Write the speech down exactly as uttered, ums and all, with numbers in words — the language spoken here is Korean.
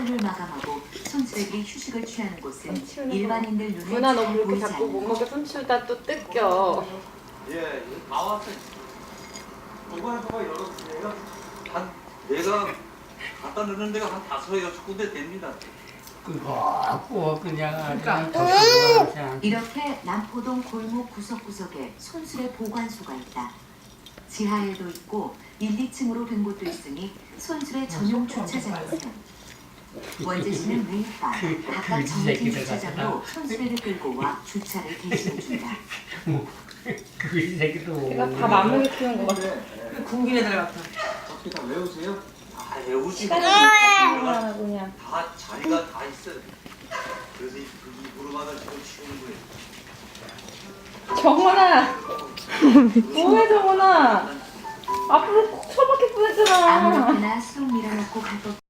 하루를 마감하고 손수레들이 휴식을 취하는 곳은 일반인들 눈에 누나 너 잘 그렇게 보이지 자꾸 않는 못 먹게 손 치우다 또 뜯겨. 예, 다 왔어. 저번에 봐봐 열었으니까 한 내가 갖다 넣는 데가 한 다섯 여섯 군데 됩니다. 그거 그냥 그냥 그냥 이렇게 남포동 골목 구석구석에 손수레 보관소가 있다. 지하에도 있고 일, 이 층으로 된 곳도 있으니 손수레 전용 주차장이 셈. 원재 씨는 매일 밤 각각 정해진 주차장으로 손수레를 끌고 와 주차를 대신해준다. 그 새끼도 내가 밥 안 먹게 키운 거 같아. 군기네 들 같아. 어떻게 다 외우세요? 다 외우시고 시간이 다 그냥. 자리가 다 있어요. 그래서 이, 이 무릎만을 지금 치우는 거예요. 정원아, 뭐해 정원아? 앞으로 처박힐 뻔했잖아. 아무렇게나 쑥 밀어넣고 갈 것.